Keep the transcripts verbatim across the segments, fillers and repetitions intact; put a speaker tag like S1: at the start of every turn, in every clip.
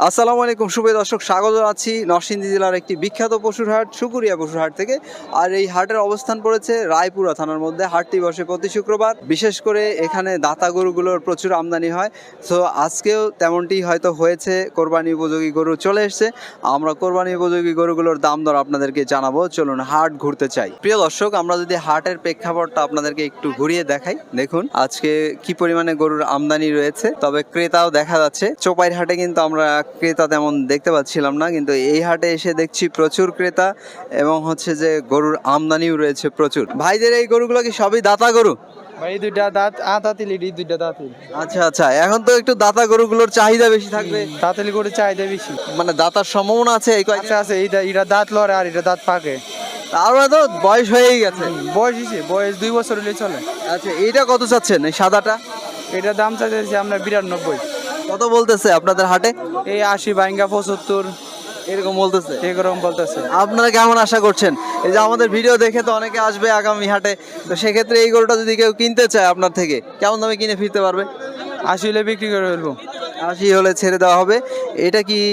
S1: আসসালামু আলাইকুম সুপ্রিয় দর্শক, স্বাগত আছি নরসিংদী জেলার একটি বিখ্যাত পশুর হাট শুকুরিয়া পশুর হাট থেকে। আর এই হাটের অবস্থান পড়েছে রায়পুরা থানার মধ্যে। হাটটি বসে প্রতি শুক্রবার। বিশেষ করে এখানে দাতা গরুগুলোর প্রচুর আমদানি হয়। তো আজকেও তেমনটি হয়তো হয়েছে, কোরবানি উপযোগী গরু চলে এসছে। আমরা কোরবানি উপযোগী গরুগুলোর দাম দর আপনাদেরকে জানাবো। চলুন হাট ঘুরতে চাই। প্রিয় দর্শক, আমরা যদি হাটের প্রেক্ষাপটটা আপনাদেরকে একটু ঘুরিয়ে দেখাই, দেখুন আজকে কি পরিমাণে গরুর আমদানি রয়েছে। তবে ক্রেতাও দেখা যাচ্ছে। চোপাইর হাটে কিন্তু আমরা ক্রেতা তেমন দেখতে পাচ্ছিলাম না, কিন্তু এই হাটে এসে দেখছি প্রচুর ক্রেতা এবং হচ্ছে যে গরুর আমদানিও রয়েছে প্রচুর। ভাইদের এই গরুগুলো কি সবই দাতা গরু?
S2: ভাই দুইটা দাঁত আতাতিলি দুইটা দাঁতিল।
S1: আচ্ছা আচ্ছা, এখন তো একটু দাতা গরুগুলোর চাহিদা বেশি থাকবে,
S2: দাঁতিলি করে চাহিদা বেশি।
S1: মানে দাতার সম্ভাবনা আছে এই কয়েক
S2: আচ্ছা আছে, এইটা এটা দাঁত লড়ে আর এটা দাঁত পাকে।
S1: আর তো বয়স হয়েই গেছে।
S2: বয়স হিসে বয়স দুই বছর হলে চলে।
S1: আচ্ছা, এইটা কত চাচ্ছেন এই সাদাটা?
S2: এটা দাম চাইতেছি আমরা বিরানব্বই।
S1: কত বলতেছে আপনাদের হাটে?
S2: এই আশি বাইঙ্গা পঁচাত্তর
S1: এরকম বলতেছে।
S2: এরকম বলতেছে।
S1: আপনারা কেমন আশা করছেন? এই যে আমাদের ভিডিও দেখে তো অনেকে আসবে আগামী হাটে, তো সেক্ষেত্রে এই গরুটা যদি কেউ কিনতে চায় আপনার থেকে, কেমন দামে কিনে ফিরতে পারবে?
S2: আশি হলে বিক্রি করে ফেলবো।
S1: আশি হলে ছেড়ে দেওয়া হবে। এটা কি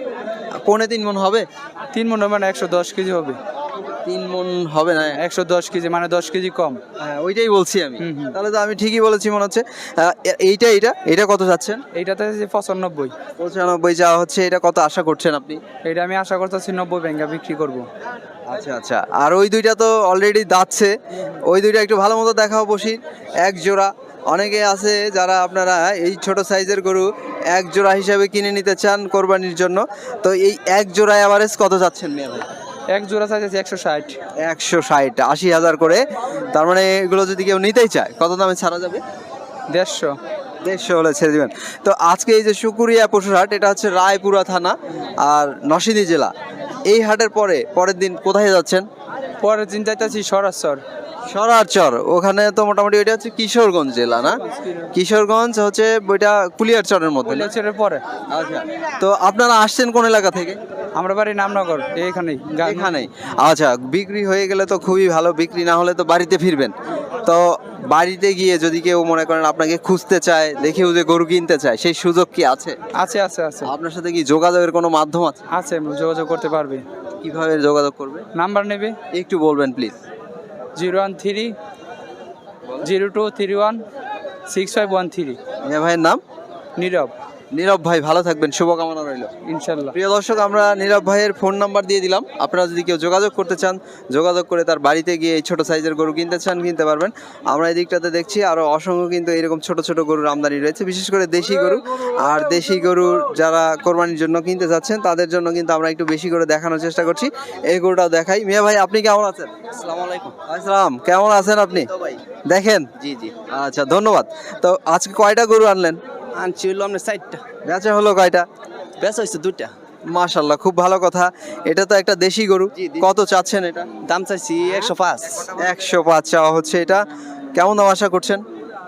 S1: পৌনে তিন মন হবে?
S2: তিন মন মানে একশো দশ কেজি হবে।
S1: তিন মন হবে না?
S2: একশো দশ কেজি মানে দশ কেজি কম।
S1: হ্যাঁ, ওইটাই বলছি আমি।
S2: হুম, হুম।
S1: তাহলে তো আমি ঠিকই বলেছি মনে হচ্ছে। আহ, এ- এইটা এইটা এটা কত যাচ্ছেন?
S2: এইটাতে যে পঁচানব্বই।
S1: পঁচানব্বই যাওয়া হচ্ছে। এটা কত আশা করছেন আপনি?
S2: এটা আমি আশা করতেছি নব্বই ব্যাঙ্গা বিক্রি করব।
S1: আচ্ছা আচ্ছা, আর ওই দুইটা তো অলরেডি দাচ্ছে। ওই দুইটা একটু ভালো মতো দেখাও বসি। এক জোড়া। অনেকে আছে যারা আপনারা এই ছোট সাইজের গরু এক জোড়া হিসাবে কিনে নিতে চান কোরবানির জন্য। তো এই এক জোড়া অ্যাভারেজ কত যাচ্ছেন মিয়া ভাই?
S2: এক জোড়া চাইতেছি একশো ষাট।
S1: একশো ষাট, আশি হাজার করে। তার মানে এগুলো যদি কেউ নিতেই চায় কত দামে ছাড়া যাবে?
S2: দেড়শো।
S1: দেড়শো হলে ছেড়ে দিবেন। তো আজকে এই যে শুকুরিয়া পশুর হাট, এটা হচ্ছে রায়পুরা থানা আর নরসিংদী জেলা। এই হাটের পরে পরের দিন কোথায় যাচ্ছেন?
S2: পরের দিন চাইতেছি সরাসর।
S1: সরারচর, ওখানে তো মোটামুটি ওইটা হচ্ছে কিশোরগঞ্জ জেলা না? কিশোরগঞ্জ হচ্ছে ওইটা কুলিয়ারচরের মধ্যে না?
S2: কৈলাসের পরে।
S1: আচ্ছা, তো আপনারা আসছেন কোন এলাকা থেকে?
S2: আমরা বাড়ি নামনগর, এইখানেই।
S1: এখানেই। আচ্ছা, বিক্রি হয়ে গেলে তো খুবই ভালো, বিক্রি না হলে তো বাড়িতে ফিরবেন। তো বাড়িতে গিয়ে যদি কেউ মনে করেন আপনাকে খুঁজতে চায়, দেখেও যে গরু কিনতে চায়, সেই সুযোগ কি আছে?
S2: আছে আছে আছে
S1: আপনার সাথে কি যোগাযোগের কোনো মাধ্যম আছে?
S2: আছে, যোগাযোগ করতে পারবে।
S1: কিভাবে যোগাযোগ করবে
S2: নাম্বার নেবে
S1: একটু বলবেন please.
S2: Zero one three zero two three one six five one three.
S1: মিয়া ভাইয়ের নাম?
S2: নীরব।
S1: নীরব ভাই, ভালো থাকবেন, শুভকামনা রইল।
S2: ইনশাল্লাহ।
S1: প্রিয় দর্শক, আমরা নীরব ভাইয়ের ফোন নাম্বার দিয়ে দিলাম। আপনারা যদি কেউ যোগাযোগ করতে চান, যোগাযোগ করে তার বাড়িতে গিয়ে এই ছোটো সাইজের গরু কিনতে চান, কিনতে পারবেন। আমরা এই দিকটাতে দেখছি আরও অসংখ্য কিন্তু এরকম ছোট ছোট গরুর আমদানি রয়েছে, বিশেষ করে দেশি গরু। আর দেশি গরু যারা কোরবানির জন্য কিনতে চাচ্ছেন তাদের জন্য কিন্তু আমরা একটু বেশি করে দেখানোর চেষ্টা করছি। এই গরুটাও দেখাই। মিয়া ভাই, আপনি কেমন আছেন?
S3: আসসালামু আলাইকুম।
S1: আসসালাম, কেমন আছেন আপনি?
S3: তো ভাই,
S1: দেখেন।
S3: জি জি,
S1: আচ্ছা, ধন্যবাদ। তো আজকে কয়টা গরু আনলেন?
S3: আনছি হলো আপনার সাইডটা,
S1: বেচা হলো কয়টা?
S3: বেচা হয়েছে দুইটা।
S1: মাশাল্লাহ, খুব ভালো কথা। এটা তো একটা দেশি গরু।
S3: জি, জি।
S1: কত চাচ্ছেন এটা?
S3: দাম চাইছি একশো পাঁচ।
S1: একশো পাঁচ চাওয়া হচ্ছে। এটা কেমন দাম আশা করছেন?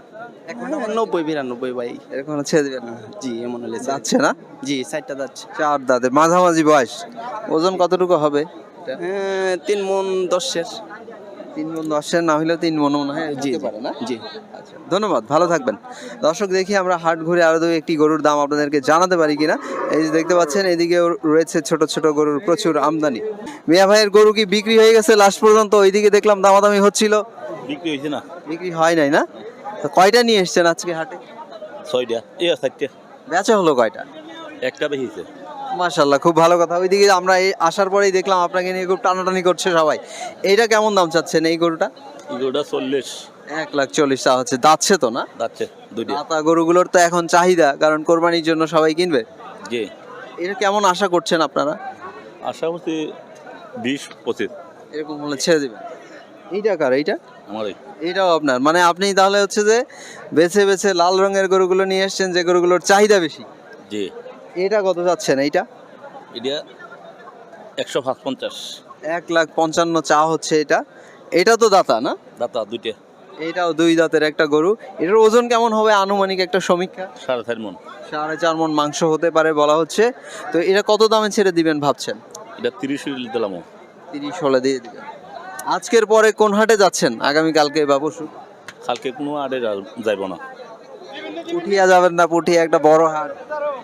S3: নব্বই বিরানব্বই ভাই,
S1: এরকম ছেড়ে দিবেন?
S3: জি এমন হলে যাচ্ছে।
S1: যাচ্ছে না?
S3: জি সাইডটা যাচ্ছে।
S1: চার দাঁতের মাঝামাঝি বয়স। ওজন কতটুকু হবে?
S3: হ্যাঁ, তিন মন দশের।
S1: তিন মন দশের না হলেও তিন মন মনে হয়
S3: জি
S1: হতে
S3: জি,
S1: পারে না?
S3: জি।
S1: আচ্ছা, ধন্যবাদ, ভালো থাকবেন। দর্শক, দেখি আমরা হাট ঘুরে আরো দুই একটি গরুর দাম আপনাদেরকে জানাতে পারি কিনা। এই যে দেখতে পাচ্ছেন, এদিকে রয়েছে ছোট ছোট গরুর প্রচুর আমদানি। মিয়া ভাইয়ের গরু কি বিক্রি হয়ে গেছে লাস্ট পর্যন্ত? ওইদিকে দেখলাম দামাদামি হচ্ছিল।
S4: বিক্রি হয়েছে না,
S1: বিক্রি হয় নাই না? তো কয়টা নিয়ে এসছেন আজকে হাটে?
S4: ছয়টা এ চারটে,
S1: বেচা হলো কয়টা?
S4: একটা বেশিছে।
S1: মাশাল্লাহ, খুব ভালো কথা। ওইদিকে আমরা এই আসার পরেই দেখলাম আপনাকে নিয়ে খুব টানাটানি করছে সবাই। এইটা কেমন দাম চাচ্ছেন এই গরুটা?
S4: দুটা চল্লিশ
S1: এক লাখ চল্লিশ টাকা হচ্ছে। দাচ্ছে তো না?
S4: যাচ্ছে দুইটা।
S1: দাতা গরুগুলোর তো এখন চাহিদা, কারণ কোরবানির জন্য সবাই কিনবে।
S4: জি,
S1: এটা কেমন আশা করছেন আপনারা?
S4: আশা করছি বিশ পঁচিশ।
S1: এরকম হলে ছেড়ে দিবেন? এইটা কার? এইটা?
S4: আমার এই
S1: এইটাও আপনার? মানে আপনি তাহলে হচ্ছে যে বেছে বেছে লাল রঙের গরুগুলো নিয়ে এসছেন, যে গরুগুলোর চাহিদা বেশি।
S4: জি,
S1: এটা কত যাচ্ছেন এইটা?
S4: এটা একশো পাঁচ পঞ্চাশ।
S1: এক লাখ পঞ্চান্ন চা হচ্ছে এটা। এটা তো দাতা না?
S4: দাতা দুইটা,
S1: এটাও দুই দাঁতের একটা গরু। এটার ওজন কেমন হবে আনুমানিক একটা সমীক্ষা?
S4: সাড়ে চার মন।
S1: সাড়ে চার মন মাংস হতে পারে বলা হচ্ছে। তো এটা কত দামে ছেড়ে দিবেন ভাবছেন?
S4: এটা তিরিশ দিলাম।
S1: তিরিশ হলে দিয়ে দিবেন। আজকের পরে কোন হাটে যাচ্ছেন আগামীকালকে বা পরশু?
S4: কালকে কোনো আড়ে যাইব না।
S1: পুঠিয়া যাবেন না? পুঠিয়া একটা বড় হাট।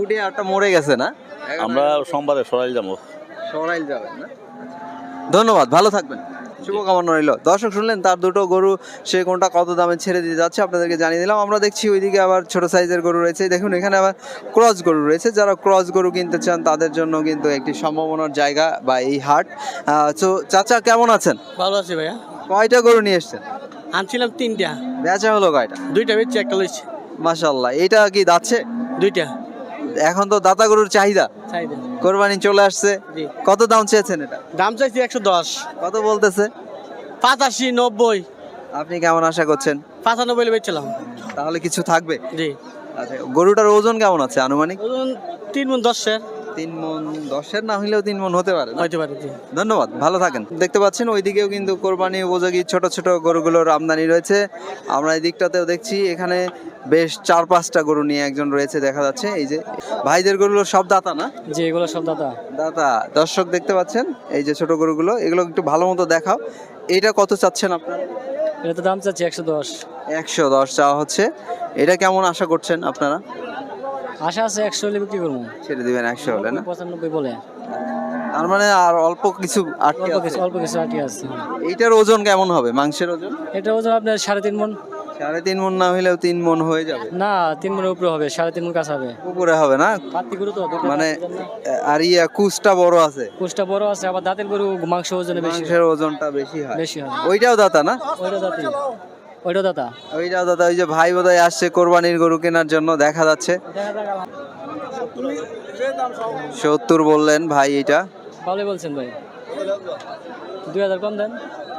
S1: পুটি হাটটা মরে গেছে না?
S4: আমরা সোমবারে সরাইল যাবো।
S1: সরাইল যাবেন না? ধন্যবাদ, ভালো থাকবেন, শুভকামনা রইল। দর্শক শুনলেন তার দুটো গরু, সে কোনটা কত দামে ছেড়ে দিতে যাচ্ছে আপনাদেরকে জানিয়ে দিলাম। আমরা দেখছি ওইদিকে আবার ছোট সাইজের গরু রয়েছে, দেখুন এখানে আবার ক্রস গরু রয়েছে। যারা ক্রস গরু কিনতে চান তাদের জন্য কিন্তু একটি সম্ভাবনার জায়গা বা এই হাট। তো চাচা কেমন আছেন?
S5: ভালো আছি ভাইয়া।
S1: কয়টা গরু নিয়ে এসছেন?
S5: আনছিলাম তিনটা,
S1: বেচা হলো কয়টা?
S5: দুইটা বেচছি, একটা লইছি।
S1: মাশাআল্লাহ, এটা কি দাচ্ছে?
S5: দুইটা
S1: এখন তো দাতা গরুর চাহিদা,
S5: চাহিদা।
S1: কোরবানি চলে আসছে,
S5: জি।
S1: কত দাম চেয়েছেন এটা?
S5: দাম চাইছি একশো দশ।
S1: কত বলতেছে?
S5: পঁচাশি, নব্বই,
S1: আপনি কেমন আশা করছেন?
S5: পঁচানব্বই বেচছিলাম।
S1: তাহলে কিছু থাকবে?
S5: জি।
S1: আচ্ছা, গরুটার ওজন কেমন আছে আনুমানিক?
S5: ওজন তিন মন দশের।
S1: তিন মন দশের না হইলেও তিন মন হতে পারে না?
S5: হইতে পারে। জি।
S1: ধন্যবাদ, ভালো থাকেন। দেখতে পাচ্ছেন ওইদিকেও কিন্তু কোরবানি উপযোগী ছোট ছোট গরুগুলোর আমদানি রয়েছে। আমরা এই দিকটাতেও দেখছি, এখানে বেশ চার পাঁচটা গরু নিয়ে একজন রয়েছে দেখা যাচ্ছে। এই যে ভাইদের গরুগুলো সব দাতা না?
S5: জি, এগুলো সব দাদা।
S1: দাতা। দর্শক দেখতে পাচ্ছেন এই যে ছোট গরুগুলো, এগুলো একটু ভালো মতো দেখাও। এটা কত চাচ্ছেন আপনারা?
S5: এটা তো দাম চাচ্ছি একশো দশ।
S1: একশো দশ চাওয়া হচ্ছে। এটা কেমন আশা করছেন আপনারা?
S5: আশা আছে একশো হলে বিক্রি করবো।
S1: ছেড়ে দিবেন একশো হলে না?
S5: পঁচানব্বই বলে।
S1: তার মানে আর অল্প কিছু আটকে
S5: অল্প
S1: আছে।
S5: কিছু অল্প কিছু আটি আছে।
S1: এইটার ওজন কেমন হবে, মাংসের ওজন?
S5: এটা ওজন আপনার সাড়ে তিন মন।
S1: সাড়ে তিন মন না হইলেও তিন মন হয়ে যাবে।
S5: না, তিন মনের উপরে হবে, সাড়ে তিন মন কাছে হবে।
S1: উপরে হবে না?
S5: পাতি গরু তো দুটো
S1: মানে
S5: দাঁতের জন্য।
S1: আর ইয়া কুচটা বড় আছে,
S5: কোষটা বড় আছে, আবার দাঁতের গরু মাংস ওজনে বেশি
S1: মাংসের ওজনটা বেশি হয়।
S5: বেশি হয়।
S1: ওইটাও দাতা না?
S5: ওইটা দাঁতি, ওইটা দাতা।
S1: ওইটাও দাতা। ওই যে ভাই বোধহয় আসছে কোরবানির গরু কেনার জন্য, দেখা যাচ্ছে। সত্তর বললেন ভাই, এটা
S5: ভালোই বলছেন ভাই। দুই হাজার কম দেন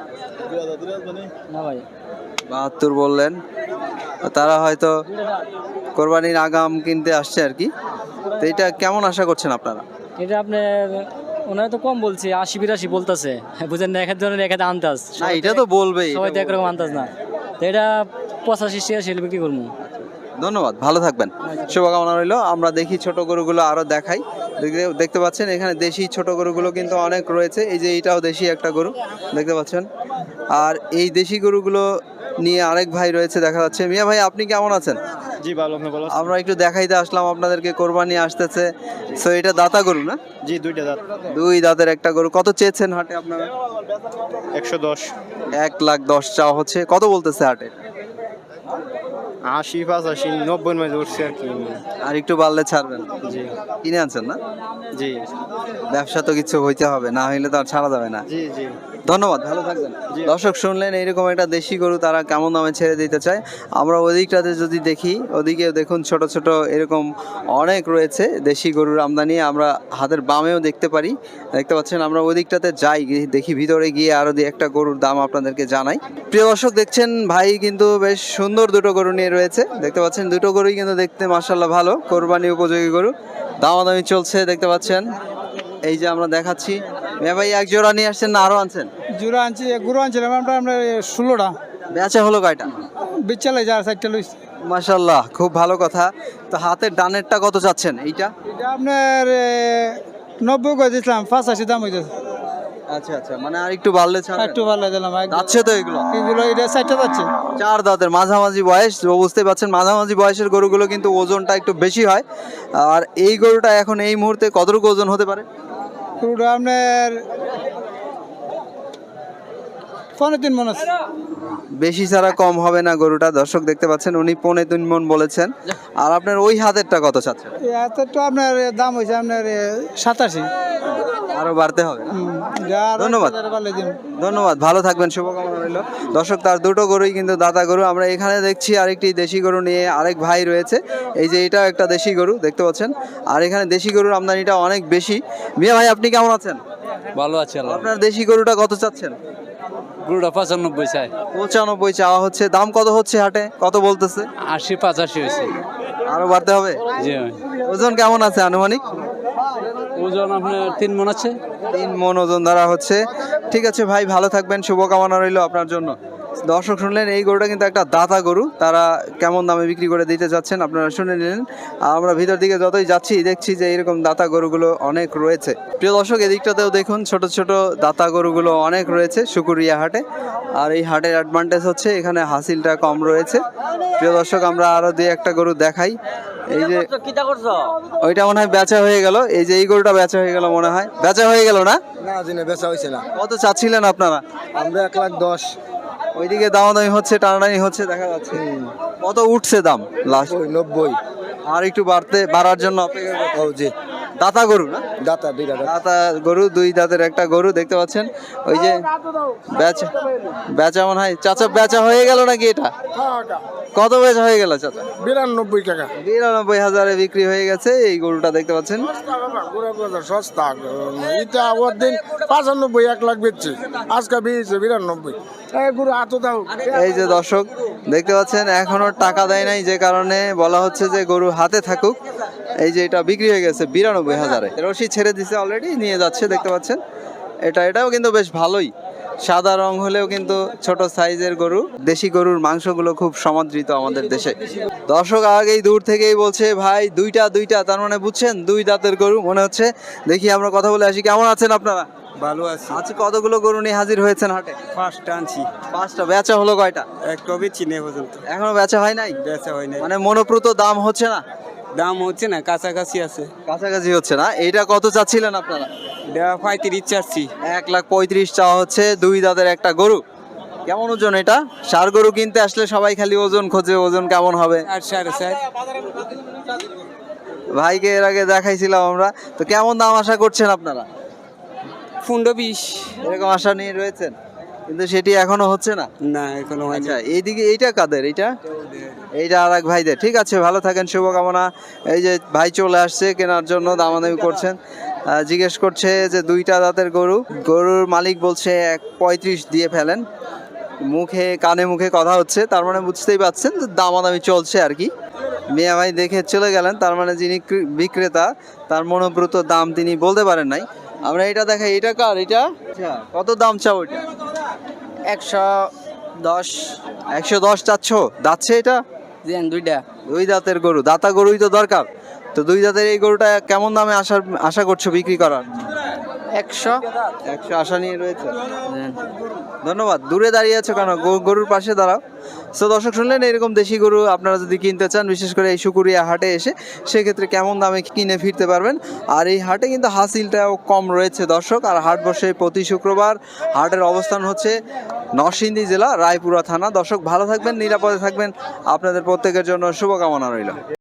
S5: না ভাই।
S1: বাহাত্তর বললেন। তারা হয়তো কোরবানির আগাম কিনতে আসছে আর কি। তো এটা কেমন আশা করছেন আপনারা?
S5: এটা আপনার ওনারা তো কম বলছে, আশি বিরাশি বলতেছে, বুঝেন না? এক এক ধরনের এক একটা আন্দাজ।
S1: না, এটা তো বলবেই।
S5: সবাই তো একরকম আন্দাজ না। তো এটা পঁচাশি ছিয়াশি বিক্রি করবো।
S1: ধন্যবাদ, ভালো থাকবেন, শুভকামনা রইল। আমরা দেখি ছোট গরুগুলো আরো দেখাই। দেখতে- দেখতে পাচ্ছেন এখানে দেশি ছোট গরুগুলো কিন্তু অনেক রয়েছে। এই যে এটাও দেশি একটা গরু দেখতে পাচ্ছেন। আর এই দেশি গরুগুলো নিয়ে আরেক ভাই রয়েছে দেখা যাচ্ছে। মিয়া ভাই, আপনি কেমন আছেন?
S6: জি ভালো, আপনি ভালো?
S1: আমরা একটু দেখাইতে আসলাম আপনাদেরকে, কোরবানি আসতেছে। সো এটা দাতা গরু না?
S6: জি, দুইটা দাঁত।
S1: দুই দাঁতের একটা গরু। কত চেয়েছেন হাটে আপনারা?
S6: একশো দশ।
S1: এক লাখ দশ চাওয়া হচ্ছে। কত বলতেছে হাটে?
S6: আশি, পঁচাশি, নব্বই মাঝে উঠছে আর কি।
S1: আর একটু বাড়লে ছাড়বেন?
S6: জি
S1: কিনে আনছেন না?
S6: জি
S1: ব্যবসা তো কিছু হইতে হবে, না হইলে তো আর ছাড়া যাবে না।
S6: জি জি
S1: ধন্যবাদ, ভালো থাকবেন। দর্শক শুনলেন এইরকম একটা দেশি গরু তারা কেমন দামে ছেড়ে দিতে চায়। আমরা ওদিকটাতে যদি দেখি, ওদিকে দেখুন ছোট ছোট এরকম অনেক রয়েছে দেশি গরুর আমদানি। আমরা হাতের বামেও দেখতে পারি, দেখতে পাচ্ছেন। আমরা ওদিকটাতে যাই, গিয়ে দেখি ভিতরে গিয়ে আরো দিয়ে একটা গরুর দাম আপনাদেরকে জানাই। প্রিয় দর্শক দেখছেন ভাই কিন্তু বেশ সুন্দর দুটো গরু নিয়ে রয়েছে, দেখতে পাচ্ছেন। দুটো গরুই কিন্তু দেখতে মাশাআল্লাহ ভালো, কোরবানি উপযোগী গরু। দামাদামি চলছে দেখতে পাচ্ছেন। এই যে আমরা দেখাচ্ছি। মিয়া ভাই, এক জোড়া নিয়ে আসছেন না আরো আনছেন?
S7: জোড়া আনছি, গরু আনছিলাম আমরা আমরা ষোলোটা,
S1: বেচা হলো কয়টা?
S7: বিচ্ছালাই যার সাইডটা লইছি।
S1: মাশাআল্লাহ, খুব ভালো কথা। তো হাতের ডানেরটা কত চাচ্ছেন এইটা?
S7: এটা আপনার এ, নব্বই করে দিয়েছিলাম, পঁচাশি দাম হইতেছে।
S1: আচ্ছা আচ্ছা, মানে আর একটু বাড়লে ছাড়বেন?
S7: একটু ভালো দিলাম।
S1: যাচ্ছে তো এগুলো?
S7: এগুলো এটা সাইডটা যাচ্ছে।
S1: চার দাঁতের মাঝামাঝি বয়স, তো বুঝতেই পাচ্ছেন মাঝামাঝি বয়সের গরুগুলো কিন্তু ওজনটা একটু বেশি হয়। আর এই গরুটা এখন এই মুহূর্তে কতটুকু ওজন হতে পারে?
S7: গরুটা আপনার পনেরো তিন মন আছে।
S1: বেশি ছাড়া কম হবে না গরুটা। দর্শক দেখতে পাচ্ছেন উনি পৌনে তিন মন বলেছেন। আর আপনার ওই হাতেরটা কত চাচ্ছেন?
S7: এত তো আপনার দাম হয়েছে আপনার এ, সাতাশি।
S1: আরো বাড়তে হবে না?
S7: হুম, যা আরো
S1: ধন্যবাদ।
S7: এক হাজার বাড়লে দিন।
S1: ধন্যবাদ, ভালো থাকবেন, শুভকামনা রইল। দর্শক তার দুটো গরুই কিন্তু দাতা গরু। আমরা এখানে দেখছি আরেকটি দেশি গরু নিয়ে আরেক ভাই রয়েছে। এই যে এটাও একটা দেশি গরু দেখতে পাচ্ছেন। আর এখানে দেশি গরুর আমদানিটা অনেক বেশি। মিয়া ভাই, আপনি কেমন আছেন?
S2: ভালো আছে আল্লাহ।
S1: আপনার দেশি গরুটা কত চাচ্ছেন?
S2: গরুটা পঁচানব্বই চাই।
S1: পঁচানব্বই চাওয়া হচ্ছে। দাম কত হচ্ছে হাটে, কত বলতেছে?
S2: আশি পঁচাশি হয়েছে।
S1: আরো বাড়তে হবে?
S2: জি।
S1: ওজন কেমন আছে আনুমানিক?
S2: ওজন আপনার তিন মন আছে।
S1: তিন মন ওজন ধরা হচ্ছে। ঠিক আছে ভাই, ভালো থাকবেন, শুভকামনা রইল আপনার জন্য। দর্শক শুনলেন এই গরুটা কিন্তু একটা দাতা গরু, তারা কেমন দামে বিক্রি করে দিতে যাচ্ছেন আপনারা শুনে নিলেন। আর আমরা ভিতর দিকে যতই যাচ্ছি দেখছি যে এরকম দাতা গরুগুলো অনেক রয়েছে। প্রিয় দর্শক এদিকটাতেও দেখুন ছোট ছোট দাতা গরুগুলো অনেক রয়েছে শুকুরিয়া হাটে। আর এই হাটের অ্যাডভান্টেজ হচ্ছে এখানে হাসিলটা কম রয়েছে। প্রিয় দর্শক আমরা আরো দুই একটা গরু দেখাই। এই যে ওইটা মনে হয় বেচা হয়ে গেল, এই যে এই গরুটা বেচা হয়ে গেল মনে হয়, বেচা হয়ে গেল না?
S6: না জিনে বেচা হয়েছে না,
S1: কত চাচ্ছিলেন আপনারা?
S6: আমরা এক লাখ দশ।
S1: ওইদিকে দামাদামি হচ্ছে, টানাটানি হচ্ছে দেখা যাচ্ছে। কত উঠছে দাম লাস্ট?
S6: ওই নব্বই।
S1: আর একটু বাড়তে বাড়ার জন্য অপেক্ষা করতে-
S6: ও জি,
S1: দাতা গরু না?
S6: দাতা দুইটা দাতা।
S1: দাতা গরু, দুই দাঁতের একটা গরু দেখতে পাচ্ছেন। ওই যে বেচা বেচা মনে হয় চাচা বেচা হয়ে গেল নাকি? এটা কত বেচা হয়ে গেল চাচা?
S6: বিরানব্বই টাকা।
S1: বিরানব্বই হাজারে বিক্রি হয়ে গেছে এই গরুটা দেখতে পাচ্ছেন।
S6: সস্তা এটা ওর দিন পঁচানব্বই এক লাখ বেচছে, আজকে বেরিয়েছে বিরানব্বই। গরু এত দাও।
S1: এই যে দর্শক দেখতে পাচ্ছেন এখনো টাকা দেয় নাই, যে কারণে বলা হচ্ছে যে গরু হাতে থাকুক। এই যে এটা বিক্রি হয়ে গেছে বিরানব্বই হাজারে, রশি ছেড়ে দিছে অলরেডি, নিয়ে যাচ্ছে দেখতে পাচ্ছেন। এটা এটাও কিন্তু বেশ ভালোই, সাদা রং হলেও কিন্তু ছোট সাইজের গরু। দেশি গরুর মাংসগুলো খুব সমাদৃত আমাদের দেশে। দর্শক আগেই দূর থেকেই বলছে ভাই দুইটা দুইটা, তার মানে বুঝছেন দুই দাঁতের গরু মনে হচ্ছে। দেখি আমরা কথা বলে আসি, কেমন আছেন আপনারা?
S6: ভালো আছে।
S1: আজকে কতগুলো গরু নিয়ে হাজির হয়েছেন হাটে?
S6: ফার্স্ট আনছি,
S1: পাঁচটা। বেচা হলো কয়টা?
S6: একটা বেচি নেই পর্যন্ত,
S1: এখনো বেচা হয় নাই?
S6: বেচা হয় নাই।
S1: মানে মনোপ্রত দাম হচ্ছে না,
S6: দাম হচ্ছে না, কাছাকাছি আছে।
S1: কাছাকাছি হচ্ছে না। এইটা কত চাচ্ছিলেন আপনারা?
S6: দেওয়া পঁয়ত্রিশ চাচ্ছি।
S1: এক লাখ পঁয়ত্রিশ চাওয়া হচ্ছে দুই দাঁতের একটা গরু। কেমন ওজন এটা? ষাঁড় গরু কিনতে আসলে সবাই খালি ওজন খোঁজে, ওজন কেমন হবে।
S6: আর সাড়ে চার।
S1: ভাইকে এর আগে দেখাইছিলাম আমরা, তো কেমন দাম আশা করছেন আপনারা?
S6: পনেরো বিশ।
S1: এরকম আশা নিয়ে রয়েছেন, কিন্তু সেটি এখনো হচ্ছে না।
S6: না এখনো হয়নি।
S1: আচ্ছা এইদিকে এইটা কাদের? এইটা এইটা আর এক ভাইদের। ঠিক আছে, ভালো থাকেন, শুভকামনা। এই যে ভাই চলে আসছে কেনার জন্য, দামাদামি করছেন। আহ, জিজ্ঞেস করছে যে দুইটা দাঁতের গরু, গরুর মালিক বলছে এক পঁয়ত্রিশ দিয়ে ফেলেন। মুখে কানে মুখে কথা হচ্ছে, তার মানে বুঝতেই পারছেন যে দামাদামি চলছে আর কি। মিয়া ভাই দেখে চলে গেলেন, তার মানে যিনি ক্রে- বিক্রেতা তার মনোব্রত দাম তিনি বলতে পারেন নাই। আমরা এটা দেখাই, এটা কার? এটা আচ্ছা, কত দাম চাও এটা?
S3: একশো দশ।
S1: একশো দশ চাচ্ছ? দাচ্ছে এটা?
S3: দেন দুইটা।
S1: দুই দাঁতের গরু, দাতা গরুই তো দরকার। তো দুই দাঁতের এই গরুটা কেমন দামে আসার আশা করছো বিক্রি করার?
S3: একশো।
S1: একশো আশা নিয়ে রয়েছে। ধন্যবাদ। দূরে দাঁড়িয়ে আছো কেন? গো- গরুর পাশে দাঁড়াও। সো দর্শক শুনলেন, এরকম দেশি গরু আপনারা যদি কিনতে চান, বিশেষ করে এই শুকুরিয়া হাটে এসে, সেক্ষেত্রে কেমন দামে কিনে ফিরতে পারবেন। আর এই হাটে কিন্তু হাসিলটাও কম রয়েছে দর্শক। আর হাট বসে প্রতি শুক্রবার। হাটের অবস্থান হচ্ছে নরসিংদী জেলা রায়পুরা থানা। দর্শক ভালো থাকবেন, নিরাপদে থাকবেন, আপনাদের প্রত্যেকের জন্য শুভকামনা রইল।